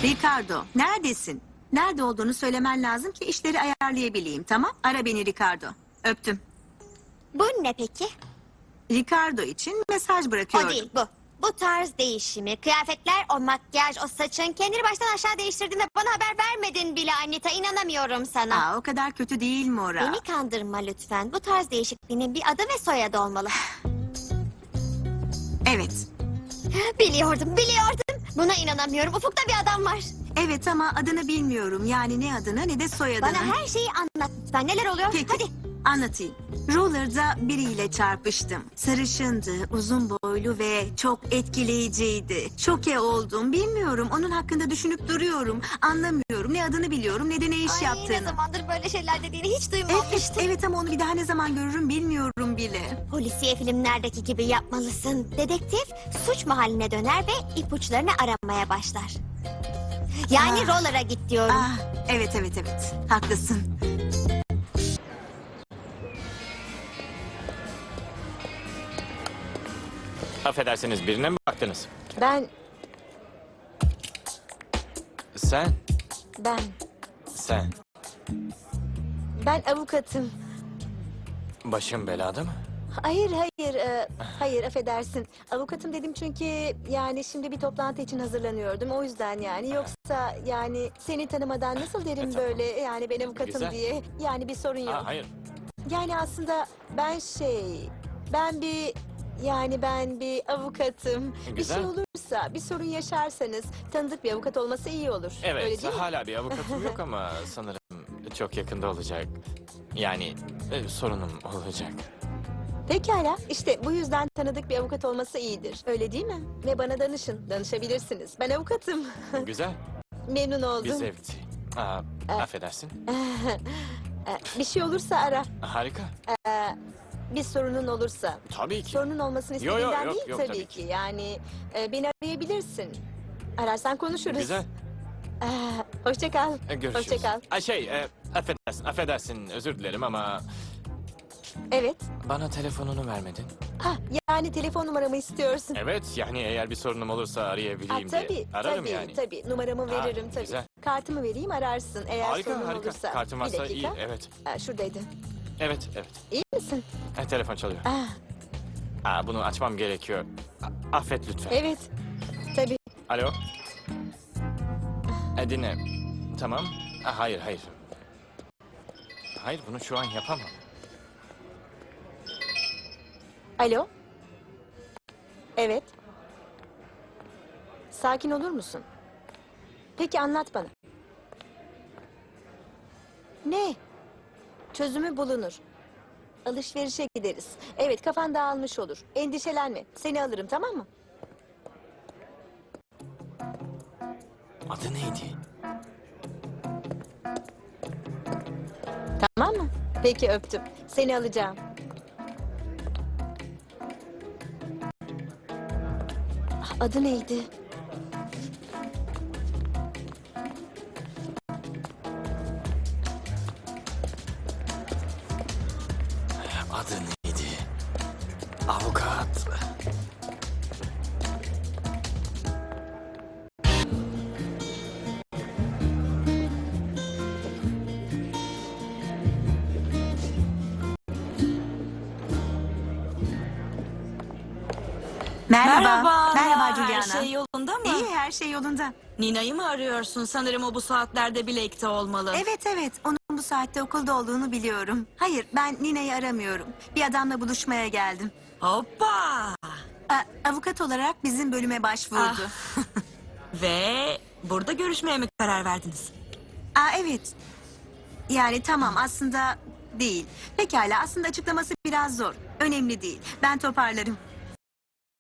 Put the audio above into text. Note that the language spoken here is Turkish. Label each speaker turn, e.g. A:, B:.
A: Ricardo, neredesin? Nerede olduğunu söylemen lazım ki işleri ayarlayabileyim, tamam? Ara beni Ricardo. Öptüm.
B: Bu ne peki?
A: Ricardo için mesaj
B: O
A: bırakıyordum.
B: değil bu. Bu tarz değişimi, kıyafetler, o makyaj, o saçın kendini baştan aşağı değiştirdiğinde bana haber vermedin bile Anita. İnanamıyorum sana.
A: Aa, o kadar kötü değil Mora.
B: Beni kandırma lütfen. Bu tarz değişikliğinin bir adı ve soyadı olmalı.
A: Evet.
B: Biliyordum. Buna inanamıyorum. Ufukta bir adam var.
A: Evet ama adını bilmiyorum. Yani ne adını ne de soyadını.
B: Bana her şeyi anlat lütfen. Neler oluyor?
A: Peki,
B: Hadi.
A: anlatayım. Roller'da biriyle çarpıştım. Sarışındı, uzun boylu ve çok etkileyiciydi. Şoke oldum. Bilmiyorum. Onun hakkında düşünüp duruyorum. Anlamıyorum. Ne adını biliyorum ne de ne iş
B: Ne
A: yaptığını.
B: zamandır böyle şeyler dediğini hiç
A: Evet,
B: duymamıştım.
A: evet ama onu bir daha ne zaman görürüm bilmiyorum bile.
B: Polisiye filmlerdeki gibi yapmalısın. Dedektif suç mahalline döner ve ipuçlarını aramaya başlar. Yani Roller'a git diyorum.
A: Ah, evet. Haklısın.
C: Affedersiniz, birine mi baktınız?
D: Ben,
C: Sen,
D: ben,
C: sen.
D: ben avukatım.
C: Başın belada mı?
D: Hayır, affedersin. Avukatım dedim çünkü yani şimdi bir toplantı için hazırlanıyordum. O yüzden yani yoksa yani seni tanımadan nasıl derim
C: Tamam.
D: böyle yani ben avukatım
C: Güzel.
D: diye. Yani bir sorun yok.
C: Hayır.
D: Yani aslında ben bir avukatım. Bir
C: Güzel.
D: şey olursa, bir sorun yaşarsanız tanıdık bir avukat olması iyi olur. Öyle
C: Evet,
D: değil mi?
C: hala bir avukatım yok ama sanırım çok yakında olacak. Yani sorunum olacak.
D: Pekala. İşte bu yüzden tanıdık bir avukat olması iyidir. Öyle değil mi? Ve bana danışabilirsiniz. Ben avukatım.
C: Güzel,
D: Memnun
C: bir
D: oldum.
C: zevkti. Affedersin.
D: Bir şey olursa ara.
C: Harika.
D: Bir sorunun olursa.
C: Tabii ki.
D: Sorunun olmasını
C: Yo, yo,
D: istediğinden
C: yok,
D: değil
C: yok,
D: tabii
C: tabii
D: ki. Yani beni arayabilirsin. Ararsan konuşuruz.
C: Güzel.
D: Hoşça kal.
C: Görüşürüz.
D: Hoşça kal.
C: Affedersin, özür dilerim ama
D: Evet.
C: bana telefonunu vermedin.
D: Yani telefon numaramı istiyorsun.
C: Evet, yani eğer bir sorunum olursa arayabileyim
D: Tabii,
C: diye. Ararım
D: tabii,
C: yani.
D: tabii. Numaramı veririm tabii.
C: güzel.
D: Kartımı vereyim ararsın eğer
C: Harika,
D: sorunun
C: harika.
D: olursa.
C: Kartın
D: Bir
C: varsa
D: dakika.
C: iyi, evet.
D: Şuradaydı.
C: Evet.
D: İyi misin?
C: Telefon çalıyor. Bunu açmam gerekiyor. Affet lütfen.
D: Evet. Tabii.
C: Alo. Dinle. Tamam. Hayır. Hayır, bunu şu an yapamam.
D: Alo. Evet. Sakin olur musun? Peki anlat bana. Ne? Çözümü bulunur. Alışverişe gideriz. Evet, kafan dağılmış olur. Endişelenme. Seni alırım, tamam mı?
C: Adı neydi?
D: Tamam mı? Peki öptüm. Seni alacağım. Adı neydi?
C: Adı neydi? Avukat.
A: Merhaba Juliana.
E: Her şey yolunda mı?
A: İyi, her şey yolunda.
E: Nina'yı mı arıyorsun? Sanırım o bu saatlerde Blake'te olmalı.
A: Evet. Onun bu saatte okulda olduğunu biliyorum. Hayır, ben Nina'yı aramıyorum. Bir adamla buluşmaya geldim.
E: Hoppa!
A: Avukat olarak bizim bölüme başvurdu.
E: Ve burada görüşmeye mi karar verdiniz?
A: Evet. Yani tamam aslında değil. Pekala aslında açıklaması biraz zor. Önemli değil. Ben toparlarım.